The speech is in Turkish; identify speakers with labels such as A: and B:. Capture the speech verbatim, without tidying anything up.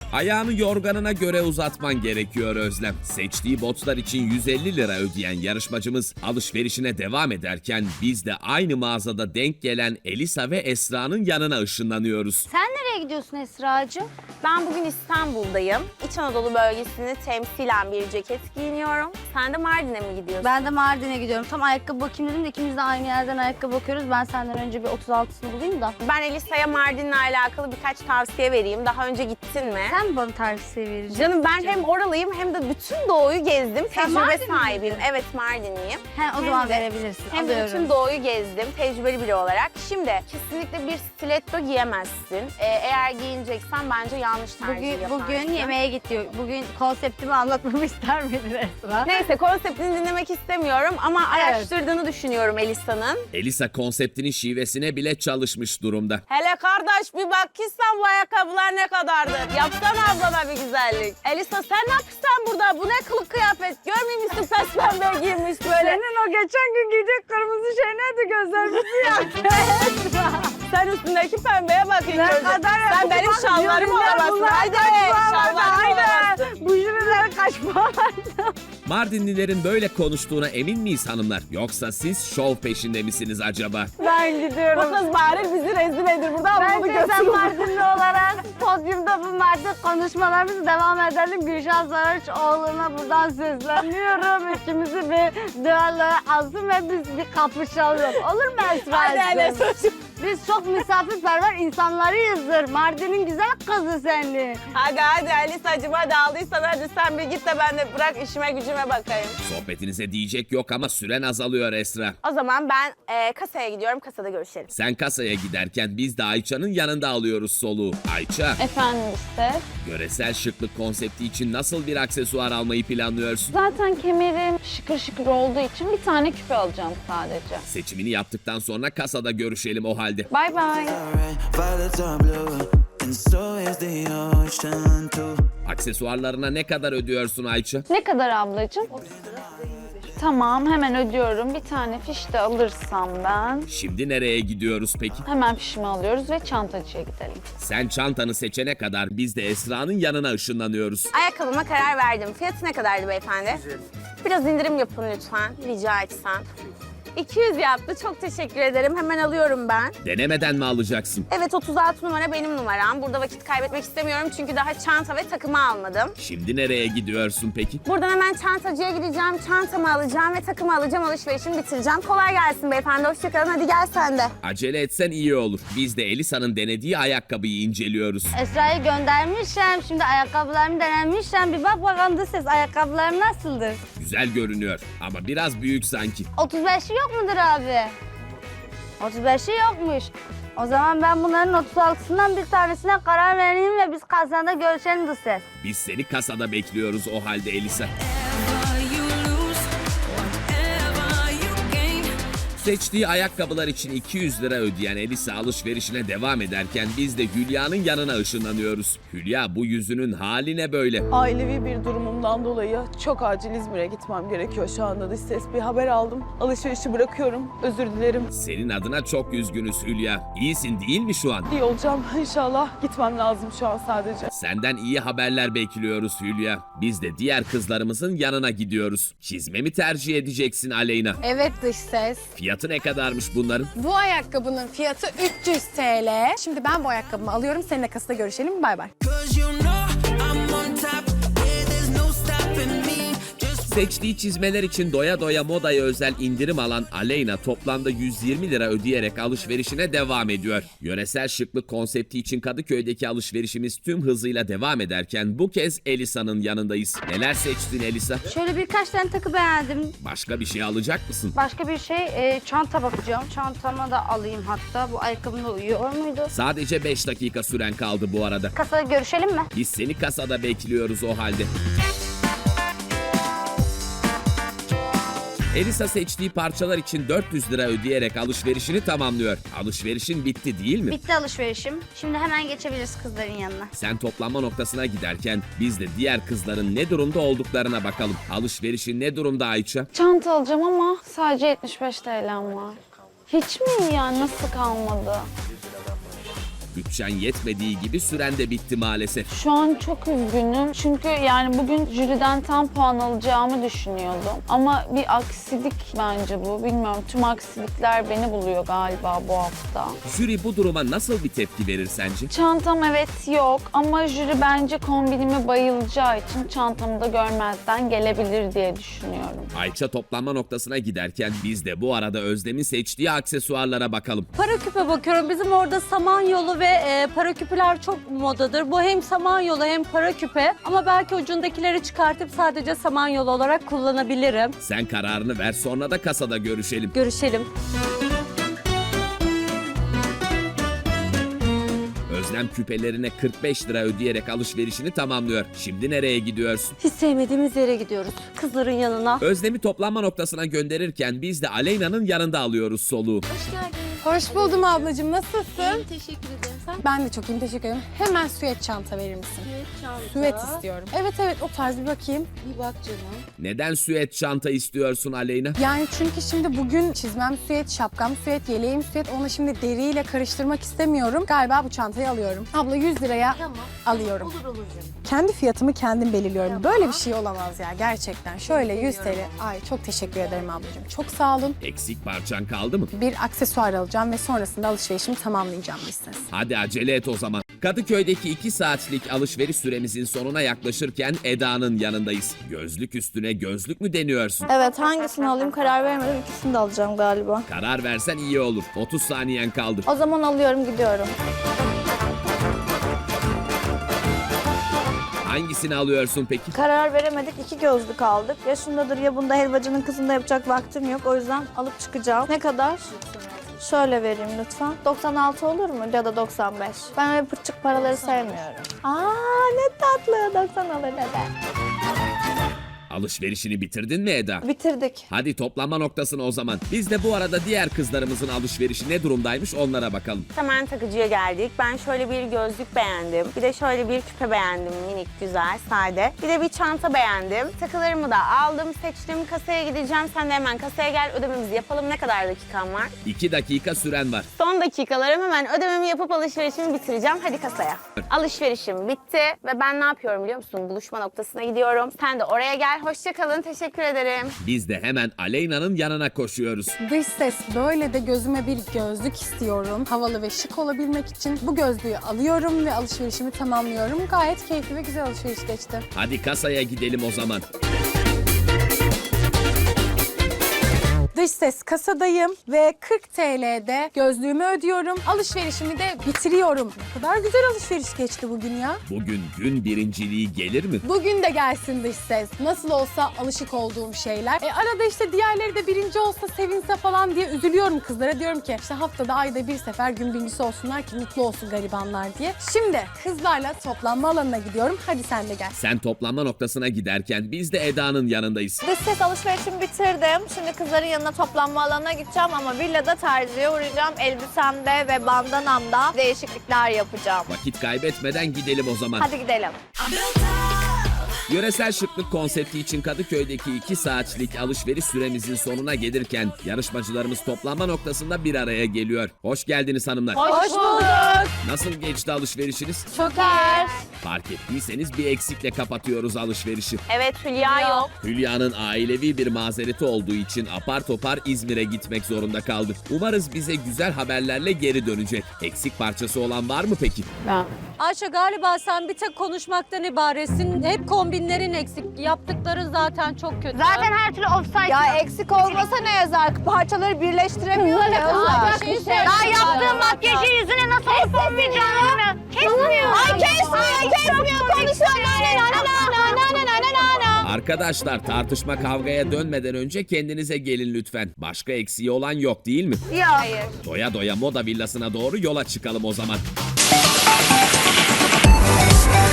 A: Ayağını yorganına göre uzatman gerekiyor Özlem. Seçtiği botlar için yüz elli lira ödeyen yarışmacımız alışverişine devam ederken biz de aynı mağazada denk gelen Elisa ve Esra'nın yanına ışınlanıyoruz.
B: Sen nereye gidiyorsun Esra'cığım?
C: Ben bugün İstanbul'dayım. İç Anadolu bölgesini temsilen bir ceket giyiniyorum. Sen de Mardin'e mi gidiyorsun?
B: Ben de Mardin'e gidiyorum. Tam ayakkabı bakayım dedim de ikimiz de aynı yerden ayakkabı bakıyoruz. Ben senden önce bir otuz altısını bulayım da.
C: Ben Elisa'ya Mardin'le alakalı birkaç tavsiye vereyim. Daha önce gittin mi?
B: Sen mi bana tavsiye vereceksin?
C: Canım ben hem oralıyım hem de bütün doğuyu gezdim.
B: Sen
C: Tecrübe
B: Mardinli
C: sahibiyim. Evet, Mardinliyim.
B: He, o
C: Hem
B: zaman
C: de-
B: verebilirsin.
C: Hem de
B: Alıyorum.
C: bütün doğuyu gezdim tecrübeli biri olarak. Şimdi kesinlikle bir stiletto giyemezsin. Ee, eğer giyineceksen bence yanlış tercih
B: Bugün,
C: yaparsın.
B: bugün yemeğe gidiyor. Bugün konseptimi anlatmamı ister miydin Esra?
C: Neyse, konseptini dinlemek istemiyorum ama araştırdığını düşünüyorum Elisa'nın.
A: Elisa konseptinin şivesine bile çalışmış durumda.
C: Hele kardeş bir bak ki sen bu ayakkabılar ne kadardır? Yapsana ablana bir güzellik. Elisa sen ne yapıyorsun burada? Bu ne kılık kıyafet? Görmüyor musun pes pembe giymiş böyle?
B: Senin o geçen gün giydiğin kırmızı şey neydi gözlerimizi yaktı?
C: Sen üstündeki pembeye bak ilk
B: Ne
C: önce.
B: kadar
C: Sen benim şallarımı alamazsın. Haydi şallarımı alamazsın.
B: Bu jüriler kaçma.
A: Mardinlilerin böyle konuştuğuna emin miyiz hanımlar? Yoksa siz şov peşinde misiniz acaba?
B: Ben
C: Bu
B: gidiyorum.
C: kız bari bizi rezil edir. Burada bunu
B: Bence sen
C: götürün.
B: Mardinli olarak podyumda bu Mardin konuşmalarımızı devam edelim. Gülşah Saraçoğlu'na buradan sesleniyorum. İkimizi bir düelloya alsın ve biz bir kapışalım. Olur mu
C: Hadi hele
B: Esra'cığım?
C: çocuğum.
B: Biz çok misafirperver insanlarıyızdır. Mardin'in güzel kızı seni.
C: Hadi hadi Elisa'cığım hadi aldıysan hadi sen bir git de ben de bırak işime gücüme bakayım.
A: Sohbetinize diyecek yok ama süren azalıyor Esra.
C: O zaman ben e, kasaya gidiyorum. Kasada görüşelim.
A: Sen kasaya giderken biz de Ayça'nın yanında alıyoruz soluğu. Ayça,
D: Efendim işte.
A: yöresel şıklık konsepti için nasıl bir aksesuar almayı planlıyorsun?
D: Zaten kemerim şıkır şıkır olduğu için bir tane küpe alacağım sadece.
A: Seçimini yaptıktan sonra kasada görüşelim o halde.
D: Bay bay.
E: Violets are blue, and so is the ocean too.
A: Aksesuarlarına ne kadar ödüyorsun Ayça?
D: Ne kadar ablacığım? Tamam, hemen ödüyorum. Bir tane fiş de alırsam ben.
A: Şimdi nereye gidiyoruz peki?
D: Hemen fişimi alıyoruz ve çantacıya gidelim.
A: Sen çantanı seçene kadar biz de Esra'nın yanına ışınlanıyoruz.
C: Ayakkabıma karar verdim. Fiyatı ne kadardı beyefendi? Biraz indirim yapın lütfen. Rica etsem. iki yüz yaptı. Çok teşekkür ederim. Hemen alıyorum ben.
A: Denemeden mi alacaksın?
C: Evet, otuz altı numara benim numaram. Burada vakit kaybetmek istemiyorum çünkü daha çanta ve takımı almadım.
A: Şimdi nereye gidiyorsun peki?
C: Buradan hemen çantacıya gideceğim. Çantamı alacağım ve takımı alacağım. Alışverişimi bitireceğim. Kolay gelsin beyefendi. Hoşçakalın. Hadi gel sen de.
A: Acele etsen iyi olur. Biz de Elisa'nın denediği ayakkabıyı inceliyoruz.
B: Esra'yı göndermişim. Şimdi ayakkabılarımı denemişim. Bir bak bakalım da ses ayakkabılarım nasıldır?
A: Güzel görünüyor ama biraz büyük sanki.
B: otuz beşi yok mudur abi? otuz beşi yokmuş. O zaman ben bunların otuz altısından bir tanesine karar vereyim ve biz kasada görüşelim bu ses.
A: Biz seni kasada bekliyoruz o halde Elisa. Seçtiği ayakkabılar için iki yüz lira ödeyen Elisa alışverişine devam ederken biz de Hülya'nın yanına ışınlanıyoruz. Hülya, bu yüzünün haline böyle.
F: Ailevi bir durumumdan dolayı çok acil İzmir'e gitmem gerekiyor şu anda. Dış ses bir haber aldım. Alışverişi bırakıyorum. Özür dilerim.
A: Senin adına çok üzgünüz Hülya. İyisin değil mi şu an?
F: İyi olacağım inşallah. Gitmem lazım şu an sadece.
A: Senden iyi haberler bekliyoruz Hülya. Biz de diğer kızlarımızın yanına gidiyoruz. Çizme mi tercih edeceksin Aleyna?
G: Evet dış ses.
A: Fiyatı ne kadarmış bunların?
G: Bu ayakkabının fiyatı üç yüz T L. Şimdi ben bu ayakkabımı alıyorum. Seninle kasada görüşelim. Bay bay.
E: 'Cause you know I'm on top, yeah, there's no stopping me. Just
A: Seçtiği çizmeler için doya doya modaya özel indirim alan Aleyna toplamda yüz yirmi lira ödeyerek alışverişine devam ediyor. Yöresel şıklık konsepti için Kadıköy'deki alışverişimiz tüm hızıyla devam ederken bu kez Elisa'nın yanındayız. Neler seçtin Elisa?
B: Şöyle birkaç tane takı beğendim.
A: Başka bir şey alacak mısın?
B: Başka bir şey e, çanta bakacağım. Çantama da alayım hatta. Bu ayakkabımla uyuyor muydu?
A: Sadece beş dakika süren kaldı bu arada.
B: Kasada görüşelim mi?
A: Biz seni kasada bekliyoruz o halde. Elisa seçtiği parçalar için dört yüz lira ödeyerek alışverişini tamamlıyor. Alışverişin bitti değil mi?
B: Bitti alışverişim. Şimdi hemen geçebiliriz kızların yanına.
A: Sen toplanma noktasına giderken biz de diğer kızların ne durumda olduklarına bakalım. Alışverişin ne durumda Ayça?
D: Çanta alacağım ama sadece yetmiş beş T L'm var. Hiç mi yani? Nasıl kalmadı?
A: Bütçen yetmediği gibi süren de bitti maalesef.
D: Şu an çok üzgünüm çünkü yani bugün jüriden tam puan alacağımı düşünüyordum. Ama bir aksilik bence bu. Bilmiyorum, tüm aksilikler beni buluyor galiba bu hafta.
A: Jüri bu duruma nasıl bir tepki verir sence?
D: Çantam evet yok ama jüri bence kombinime bayılacağı için çantamı da görmezden gelebilir diye düşünüyorum.
A: Ayça toplanma noktasına giderken biz de bu arada Özlem'in seçtiği aksesuarlara bakalım.
H: Para küpe bakıyorum. Bizim orada Samanyolu ve e, para küpeler çok modadır. Bu hem Samanyolu hem para küpe. Ama belki ucundakileri çıkartıp sadece Samanyolu olarak kullanabilirim.
A: Sen kararını ver, sonra da kasada görüşelim.
H: Görüşelim.
A: Özlem küpelerine kırk beş lira ödeyerek alışverişini tamamlıyor. Şimdi nereye gidiyorsun?
H: Hiç sevmediğimiz yere gidiyoruz. Kızların yanına.
A: Özlem'i toplanma noktasına gönderirken biz de Aleyna'nın yanında alıyoruz soluğu.
G: Hoş buldum ablacığım. Nasılsın?
H: Teşekkür ederim. Sen
G: Ben de çok iyiyim. Teşekkür ederim. Hemen süet çanta verir misin? Süet istiyorum. Evet evet o tarz bir bakayım.
H: bir bak canım.
A: Neden süet çanta istiyorsun Aleyna?
G: Yani çünkü şimdi bugün çizmem süet, şapkam süet, yeleğim süet. Onu şimdi deriyle karıştırmak istemiyorum. Galiba bu çantayı alıyorum. Abla yüz liraya
H: Tamam.
G: alıyorum.
H: Olur olur canım.
G: Kendi fiyatımı kendim belirliyorum. Böyle bir şey olamaz ya gerçekten. Şöyle yüz T L. Ay çok teşekkür ederim ablacığım. Çok sağ olun.
A: Eksik parçan kaldı mı?
G: Bir aksesuar alacağım ve sonrasında alışverişimi tamamlayacağım listesi.
A: Hadi acele et o zaman. Kadıköy'deki iki saatlik alışveriş süremizin sonuna yaklaşırken Eda'nın yanındayız. Gözlük üstüne gözlük mü deniyorsun?
I: Evet, hangisini alayım karar veremedim. İkisini de alacağım galiba.
A: Karar versen iyi olur. otuz saniyen kaldı.
I: O zaman alıyorum, gidiyorum.
A: Hangisini alıyorsun peki?
I: Karar veremedik, iki gözlük aldık. Ya şundadır ya bunda, helvacının kızında yapacak vaktim yok. O yüzden alıp çıkacağım. Ne kadar? Şöyle vereyim lütfen. doksan altı olur mu ya da doksan beş? Ben öyle pırçık paraları sevmiyorum. Aa ne tatlı, doksan olur dede.
A: Alışverişini bitirdin mi Eda?
I: Bitirdik.
A: Hadi toplanma noktasına o zaman. Biz de bu arada diğer kızlarımızın alışverişi ne durumdaymış onlara bakalım.
C: Hemen takıcıya geldik. Ben şöyle bir gözlük beğendim. Bir de şöyle bir küpe beğendim. Minik, güzel, sade. Bir de bir çanta beğendim. Takılarımı da aldım, seçtim. Kasaya gideceğim. Sen de hemen kasaya gel. Ödememizi yapalım. Ne kadar dakikam var?
A: iki dakika süren var.
C: Son dakikalarım, hemen ödememi yapıp alışverişimi bitireceğim. Hadi kasaya. Alışverişim bitti ve ben ne yapıyorum biliyor musun? Buluşma noktasına gidiyorum. Sen de oraya gel. Hoşça kalın. Teşekkür ederim.
A: Biz de hemen Aleyna'nın yanına koşuyoruz.
G: Dış ses böyle de gözüme bir gözlük istiyorum. Havalı ve şık olabilmek için bu gözlüğü alıyorum ve alışverişimi tamamlıyorum. Gayet keyifli ve güzel alışveriş geçti.
A: Hadi kasaya gidelim o zaman.
G: Dış ses kasadayım ve kırk T L'de gözlüğümü ödüyorum. Alışverişimi de bitiriyorum. Ne kadar güzel alışveriş geçti bugün ya.
A: Bugün gün birinciliği gelir mi?
G: Bugün de gelsin dış ses. Nasıl olsa alışık olduğum şeyler. E arada işte diğerleri de birinci olsa sevinse falan diye üzülüyorum kızlara. Diyorum ki işte haftada ayda bir sefer gün birincisi olsunlar ki mutlu olsun garibanlar diye. Şimdi kızlarla toplanma alanına gidiyorum. Hadi sen de gel.
A: Sen toplanma noktasına giderken biz de Eda'nın yanındayız.
I: Dış ses alışverişimi bitirdim. Şimdi kızların yanına toplanma alanına gideceğim ama villada terziye uğrayacağım. Elbisemde ve bandanamda değişiklikler yapacağım.
A: Vakit kaybetmeden gidelim o zaman.
I: Hadi gidelim.
A: Yöresel şıklık konsepti için Kadıköy'deki iki saatlik alışveriş süremizin sonuna gelirken yarışmacılarımız toplanma noktasında bir araya geliyor. Hoş geldiniz hanımlar.
C: Hoş bulduk.
A: Nasıl geçti alışverişiniz?
C: Çok iyi.
A: Fark ettiyseniz bir eksikle kapatıyoruz alışverişi.
C: Evet, Hülya yok.
A: Hülya'nın ailevi bir mazereti olduğu için apar topar İzmir'e gitmek zorunda kaldı. Umarız bize güzel haberlerle geri dönecek. Eksik parçası olan var mı peki?
D: Ben.
H: Ayşe galiba sen bir tek konuşmaktan ibaretsin. Hep kombinlerin eksik. Yaptıkların zaten çok kötü.
B: Zaten her türlü offside.
I: Ya eksik olmasa ne yazar? Parçaları birleştiremiyor ya.
H: Aa, bir şey söyleyeyim.
B: Daha yaptığım makyajın yüzüne nasıl yapamayacağını bilmiyorum. Kesmiyor.
I: Ay kesmiyor, kesmiyor. Konuşuyor. Na na na na na na na na na.
A: Arkadaşlar tartışma kavgaya dönmeden önce kendinize gelin lütfen. Başka eksiği olan yok değil mi?
B: Yok.
A: Doya doya moda villasına doğru yola çıkalım o zaman.